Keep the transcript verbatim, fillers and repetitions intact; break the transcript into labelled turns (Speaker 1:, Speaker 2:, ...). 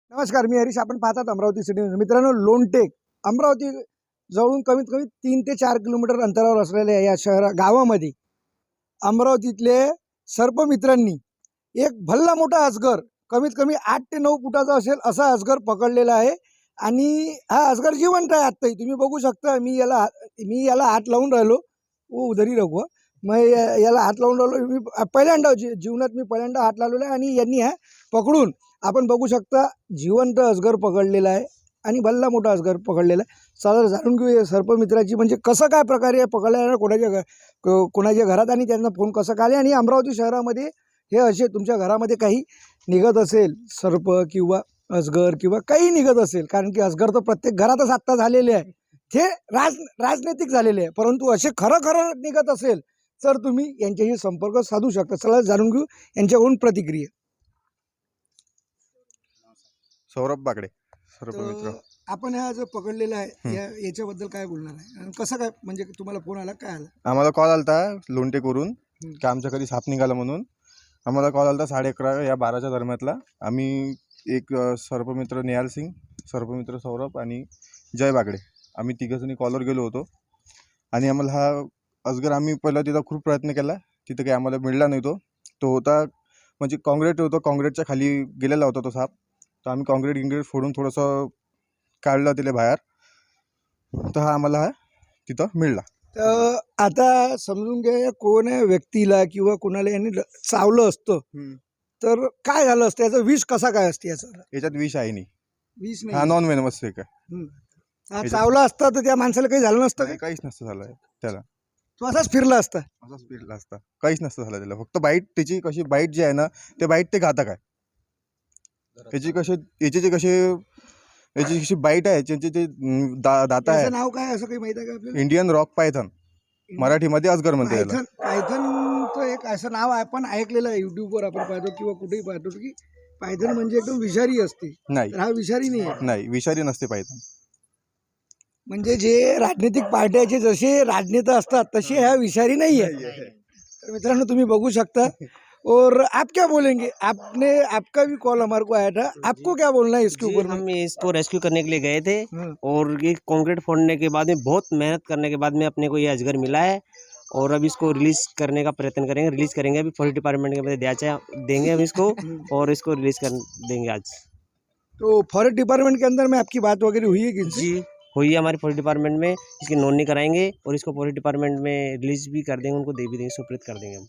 Speaker 1: नमस्कार, मी हरीश. आपण पाहतात अमरावती सिटी न्यूज. मित्रांनो, लोणटेक अमरावती जवळून कमीत कमी तीन ते चार किलोमीटर अंतरावर असलेल्या या शहरा गावामध्ये अमरावतीतले सर्पमित्रांनी एक भल्ला मोठा अजगर, कमीत कमी आठ ते नऊ फुटाचा असेल असा अजगर पकडलेला आहे. आणि हा अजगर जिवंत आहे. आत्ताही तुम्ही बघू शकता. मी याला मी याला हात लावून राहिलो. ओ उधरी रखो. मग याला हात लावून राहिलो. मी पहिल्यांदा जी जीवनात मी पहिल्यांदा हात लावलेला आहे. आणि यांनी हा पकडून आपण बघू शकता जिवंत अजगर पकडलेला आहे आणि भल्ला मोठा अजगर पकडलेला आहे. चला जाणून घेऊ सर्पमित्राची म्हणजे कसं काय प्रकारे पकडलेला, कोणाच्या घ कोणाच्या घरात आणि त्यांना फोन कसं काय आले. आणि अमरावती शहरामध्ये हे असे तुमच्या घरामध्ये काही निघत असेल सर्प किंवा अजगर किंवा काही निघत असेल, कारण की अजगर तर प्रत्येक घरातच आत्ता झालेले आहे, ते राज राजनैतिक झालेले आहे. परंतु असे खरं खरं निघत असेल तर तुम्ही यांच्याशी संपर्क साधू शकता. चला जाणून घेऊ यांच्याकडून प्रतिक्रिया.
Speaker 2: सौरभ बागडे, सर्पमित्र.
Speaker 1: आपण हा जो पकडलेला आहे या याच्याबद्दल काय बोलणार आहे आणि कसं काय, म्हणजे तुम्हाला फोन आला, काय आला?
Speaker 2: आम्हाला कॉल आलता लोणटेकवरून की आमच्या कधी साप निघाला म्हणून. आम्हाला कॉल आलता साडे अकरा या बाराच्या दरम्यानला. आम्ही एक सर्पमित्र निहाल सिंग, सर्पमित्र सौरभ आणि जय बागडे, आम्ही तिघंजणी कॉलवर गेलो होतो. आणि आम्हाला हा अजगर, आम्ही पहिला तिथं खूप प्रयत्न केला, तिथं काही आम्हाला मिळला नाही. तो तो होता म्हणजे काँक्रीट होतं, काँक्रीटच्या खाली गेलेला होता तो साप. तर आम्ही काँक्रीट गिंक्रीट फोडून थोडंसं काढलं तिला बाहेर, तर हा आम्हाला हा तिथं मिळला.
Speaker 1: तर आता समजून घ्या, कोण व्यक्तीला किंवा कोणाला यांनी चावलं असतं तर काय झालं असतं, याचं विष कसा काय असते? याचं
Speaker 2: याच्यात विष आहे नाही,
Speaker 1: विष
Speaker 2: हा
Speaker 1: नाही.
Speaker 2: नॉन वेनमस आहे.
Speaker 1: हा चावला असता तर त्या माणसाला काही झालं नसतं का?
Speaker 2: काहीच नसतं झालं त्याला,
Speaker 1: तो असाच फिरला असता.
Speaker 2: असाच फिरला असता, काहीच नसतं झालं त्याला. फक्त बाईट, त्याची कशी बाईट जी आहे ना, ते बाईट ते घातक आहे. याची कशी याची जे कशी याची कशी बाईट आहे, त्याची ते दा दाता आहे.
Speaker 1: नाव काय असं काही माहिती आहे का आपल्याला?
Speaker 2: इंडियन रॉक पायथन, मराठीमध्ये अजगर म्हणते याला.
Speaker 1: पायथन पायथनचं एक असं नाव आहे, आपण ऐकलेलं आहे युट्यूबवर, आपण पाहतो किंवा कुठेही पाहतो की पायथन म्हणजे एकदम विषारी असते.
Speaker 2: नाही,
Speaker 1: हा विषारी नाही आहे.
Speaker 2: नाही विषारी नसते पायथन.
Speaker 1: म्हणजे जे राजनीतिक पार्ट्याचे जसे राजनेता असतात तसे ह्या विषारी नाही आहे. तर मित्रांनो, तुम्ही बघू शकता. और आप क्या बोलेंगे? आपने आपका भी कॉल हमारे को आया था, आपको क्या बोलना है इसके ऊपर?
Speaker 3: हम इसको रेस्क्यू करने के लिए गए थे और ये कंक्रीट फोड़ने के बाद में बहुत मेहनत करने के बाद में अपने को ये अजगर मिला है. और अब इसको रिलीज करने का प्रयत्न करेंगे, रिलीज करेंगे. अभी फॉरेस्ट डिपार्टमेंट के द्याचा देंगे हम इसको और इसको रिलीज कर देंगे आज.
Speaker 1: तो फॉरेस्ट डिपार्टमेंट के अंदर में आपकी बात वगैरह हुई है कि?
Speaker 3: जी हुई है हमारी फॉरेस्ट डिपार्टमेंट में. इसकी नोंदनी कराएंगे और इसको फॉरेस्ट डिपार्टमेंट में रिलीज भी कर देंगे, उनको दे भी देंगे, सुपुर्द कर देंगे हम.